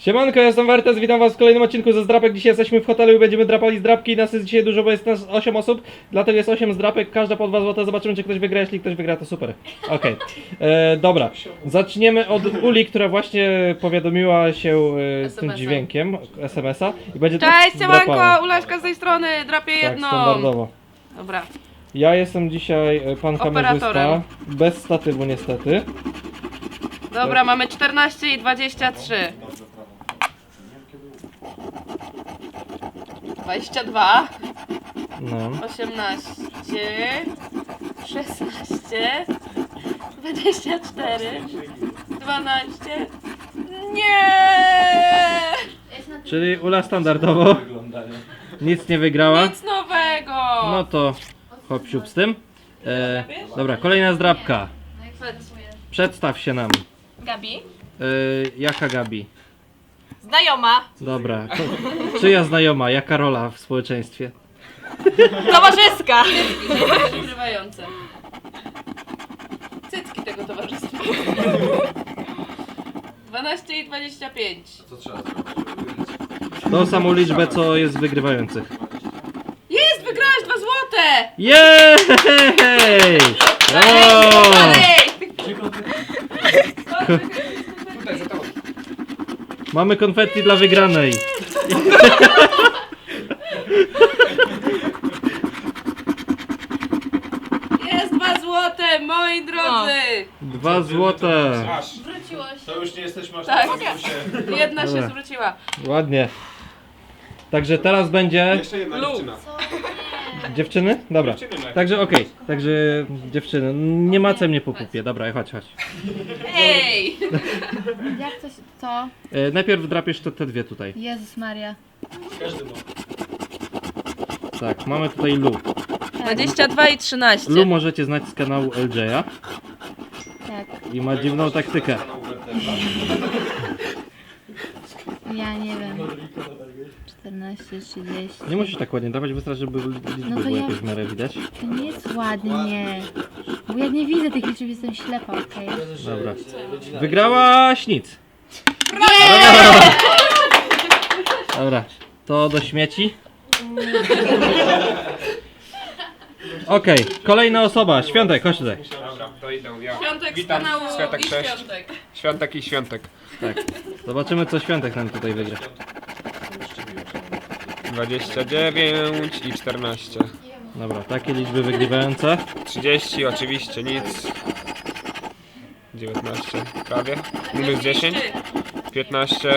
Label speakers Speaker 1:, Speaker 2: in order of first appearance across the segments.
Speaker 1: Siemanko, ja jestem Wertes, witam was w kolejnym odcinku ze zdrapek. Dzisiaj jesteśmy w hotelu i będziemy drapali zdrapki. Nas jest dzisiaj dużo, bo jest nas 8 osób, dlatego jest 8 zdrapek, każda po 2 zł. Zobaczymy, czy ktoś wygra. Jeśli ktoś wygra, to super. Okej. Dobra, zaczniemy od Uli, która właśnie powiadomiła się tym dźwiękiem SMS-a i będzie
Speaker 2: Cześć,
Speaker 1: drapała.
Speaker 2: siemanko, Ulaszka z tej strony, drapię
Speaker 1: Tak,
Speaker 2: jedną.
Speaker 1: standardowo.
Speaker 2: Dobra.
Speaker 1: Ja jestem dzisiaj pan kamerzysta,
Speaker 2: Operatorem.
Speaker 1: bez statywu niestety.
Speaker 2: Dobra, mamy 14 i 23. 22,
Speaker 1: No.
Speaker 2: 18, 16, 24, 12. Nie!
Speaker 1: Czyli Ula standardowo nic nie wygrała.
Speaker 2: Nic nowego!
Speaker 1: No to hop siup z tym. Dobra, kolejna zdrapka. Przedstaw się nam.
Speaker 3: Gabi?
Speaker 1: Jaka Gabi?
Speaker 3: Znajoma.
Speaker 1: Dobra. Czyja znajoma? Jaka rola w społeczeństwie?
Speaker 3: Towarzyska.
Speaker 2: Wygrywające. Cycki tego towarzystwa. 12 i 25.
Speaker 1: Tą samą liczbę, co jest wygrywających.
Speaker 2: Jest! Wygrałeś 2 złote!
Speaker 1: Jej! Brawo! Mamy konfetti dla wygranej.
Speaker 2: Jest 2 złote, moi drodzy!
Speaker 1: 2 złote.
Speaker 3: Wróciło się.
Speaker 4: To już nie jesteśmy aż
Speaker 2: Tak.
Speaker 4: na plusie.
Speaker 2: Jedna się
Speaker 1: Dobra.
Speaker 2: zwróciła.
Speaker 1: Ładnie. Także teraz będzie...
Speaker 4: Jeszcze jedna
Speaker 2: Lu.
Speaker 4: dziewczyna.
Speaker 1: Dziewczyny? Dobra. Także okej. Także dziewczyny. Nie macaj mnie po pupie. Dobra, chodź.
Speaker 2: Ej!
Speaker 5: Jak coś, co?
Speaker 1: Najpierw drapiesz te dwie tutaj.
Speaker 5: Jezus Maria.
Speaker 1: Tak, mamy tutaj Lu.
Speaker 2: 22 i 13.
Speaker 1: Lu możecie znać z kanału LJ-a
Speaker 5: Tak,
Speaker 1: i ma dziwną taktykę.
Speaker 5: ja nie wiem. 14, 30.
Speaker 1: Nie musisz tak ładnie dawać, wystarczy, żeby liczby
Speaker 5: No to
Speaker 1: były
Speaker 5: ja-
Speaker 1: jakoś w miarę widać.
Speaker 5: To nie jest ładnie. Bo ja nie widzę tych liczb, jestem ślepa, okej?
Speaker 1: Dobra. Wygrałaś nic. Dobra, to do śmieci. Okej, kolejna osoba. Świątek, chodź tutaj.
Speaker 4: Dobra, to idę ja.
Speaker 2: Świątek z
Speaker 4: Witam,
Speaker 2: kanału
Speaker 4: Światek,
Speaker 2: i
Speaker 4: cześć.
Speaker 2: Świątek.
Speaker 4: Świątek i Świątek.
Speaker 1: Tak. Zobaczymy, co Świątek nam tutaj wygra.
Speaker 4: 29 i 14.
Speaker 1: Dobra, takie liczby wygrywające.
Speaker 4: 30 oczywiście nic. 19 prawie. Minus 10. 15.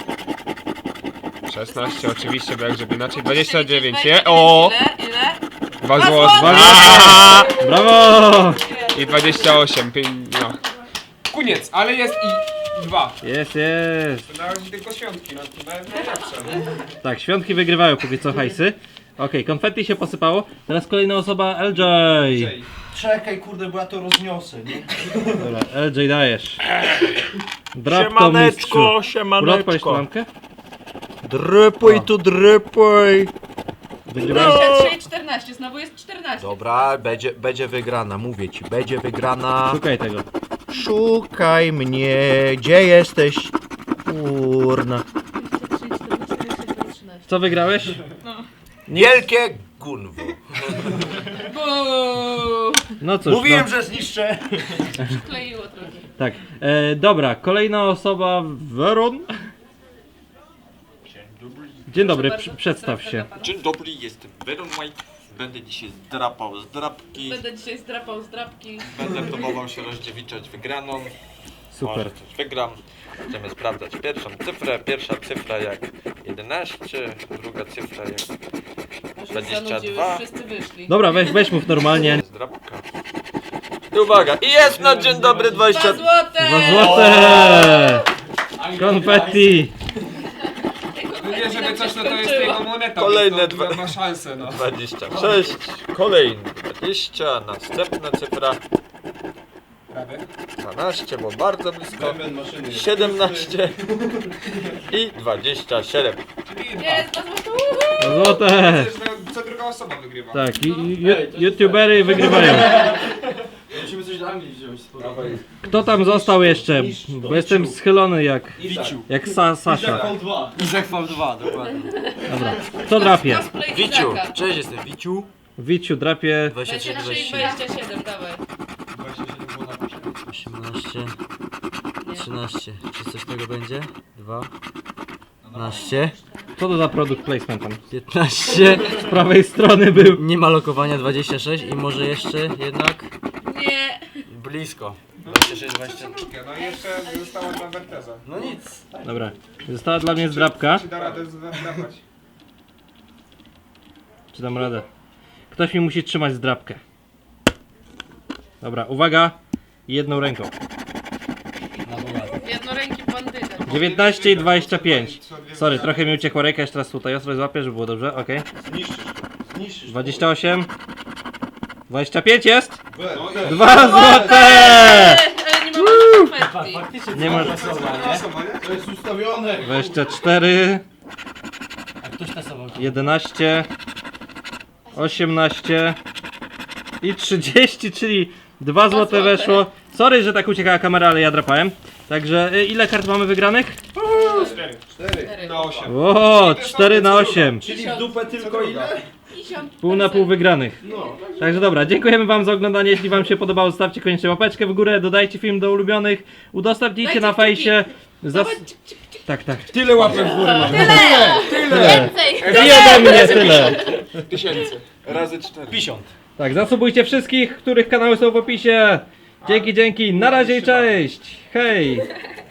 Speaker 4: 16 oczywiście, bo jak żeby inaczej. 29. O!
Speaker 2: Ile?
Speaker 4: 2
Speaker 2: Dwa
Speaker 4: zł.
Speaker 2: złote!
Speaker 1: Brawo!
Speaker 4: I 28. No. Koniec, ale jest i 2.
Speaker 1: Jest.
Speaker 4: To na razie tylko świątki, no to najlepsze.
Speaker 1: Tak, świątki wygrywają póki co hajsy. Okej, konfetti się posypało. Teraz kolejna osoba, LJ.
Speaker 6: Czekaj, kurde, bo ja to rozniosę, nie?
Speaker 1: Dobra, LJ dajesz. Drap to mistrzu. Ula, odpalisz tą lampkę?
Speaker 6: Drypuj tu, drypuj!
Speaker 1: Wygrywający.
Speaker 2: 23 i 14, znowu jest 14.
Speaker 6: Dobra, będzie wygrana, mówię ci, będzie wygrana.
Speaker 1: Szukaj tego.
Speaker 6: Szukaj mnie, gdzie jesteś? Kurna.
Speaker 1: Co wygrałeś?
Speaker 6: Wielkie gunwo.
Speaker 2: Buu!
Speaker 1: No cóż,
Speaker 6: Mówiłem,
Speaker 1: no,
Speaker 6: że zniszczę.
Speaker 2: Kleiło trochę.
Speaker 1: tak. Dobra, kolejna osoba, Weron. Dzień dobry, przedstaw się.
Speaker 7: Dzień dobry, jestem Veron White. Będę dzisiaj drapał z drapki.
Speaker 2: Będę dzisiaj zdrapał z drapki.
Speaker 7: Będę próbował się rozdziewiczać wygraną.
Speaker 1: Super.
Speaker 7: Może coś wygram. Będziemy sprawdzać pierwszą cyfrę. Pierwsza cyfra jak 11, druga cyfra jak
Speaker 2: Może
Speaker 7: 22.
Speaker 2: zanudziły, wszyscy wyszli.
Speaker 1: Dobra, weź mów normalnie.
Speaker 7: z drapka. I uwaga, i jest na dzień dobry
Speaker 2: 2
Speaker 7: 20.
Speaker 2: złote!
Speaker 1: 2 złote! Konfetti!
Speaker 4: Nie, żeby coś, no to jest jego moneta.
Speaker 7: Kolejne
Speaker 4: więc
Speaker 7: dwa.
Speaker 4: to ma szansę, no.
Speaker 7: 26, kolejny 20, następna cyfra
Speaker 4: Prawie.
Speaker 7: 12, bo bardzo blisko. 17 i 27.
Speaker 2: Jest 2 złote!
Speaker 1: 2 złote!
Speaker 4: Co druga osoba wygrywa.
Speaker 1: Tak, youtubery wygrywają.
Speaker 6: Musimy coś dla mnie wziąć.
Speaker 1: Kto tam został jeszcze? Bo jestem schylony jak Sasia.
Speaker 8: Izak V2, dokładnie.
Speaker 1: Dobra, kto drapie?
Speaker 2: Cosplay
Speaker 6: Wiciu,
Speaker 2: Izaka.
Speaker 6: cześć, jestem Wiciu.
Speaker 1: Wiciu drapie
Speaker 6: 23,
Speaker 2: 23 i
Speaker 6: 27,
Speaker 2: 27, dawaj.
Speaker 6: 18, 13. Czy coś tego będzie? 2, 12,
Speaker 1: Co to za produkt placement tam?
Speaker 6: 15.
Speaker 1: Z prawej strony był.
Speaker 6: Nie ma lokowania 26 i może jeszcze jednak
Speaker 2: Nie.
Speaker 6: blisko. 26, 20.
Speaker 4: No i jeszcze została dla Werteza.
Speaker 6: No nic.
Speaker 1: Dobra, została dla mnie zdrapka.
Speaker 4: Czy da radę zdrapać?
Speaker 1: Czy dam radę? Ktoś mi musi trzymać zdrapkę. Dobra, uwaga. Jedną ręką.
Speaker 2: Jednoręki bandyta.
Speaker 1: 19 i 25. Sorry, trochę mi uciekła ręka, jeszcze raz tutaj ostro złapię, żeby było dobrze, okej. 28. 25 jest? 2 złote!
Speaker 2: Ale nie ma konfetti.
Speaker 1: Nie ma.
Speaker 8: To jest ustawione.
Speaker 1: 24.
Speaker 8: A ktoś tasował?
Speaker 1: 11. 18. I 30, czyli 2 złote weszło. Sorry, że tak uciekała kamera, ale ja drapałem. Także ile kart mamy wygranych?
Speaker 4: 4 na 8.
Speaker 1: O, 4 na 8.
Speaker 8: Czyli w dupę tylko ile?
Speaker 1: Pół na pół wygranych. Także dobra, dziękujemy wam za oglądanie. Jeśli wam się podobało, zostawcie koniecznie łapeczkę w górę, dodajcie film do ulubionych, udostępnijcie na fejsie. Tak, tak.
Speaker 8: Tyle łapek w górę mamy.
Speaker 3: Więcej!
Speaker 1: I ode mnie tyle.
Speaker 4: Tysięcy. Razy 4.
Speaker 8: 50.
Speaker 1: Tak, zasubujcie wszystkich, których kanały są w opisie. Dzięki, dzięki. Na razie i cześć. Hej.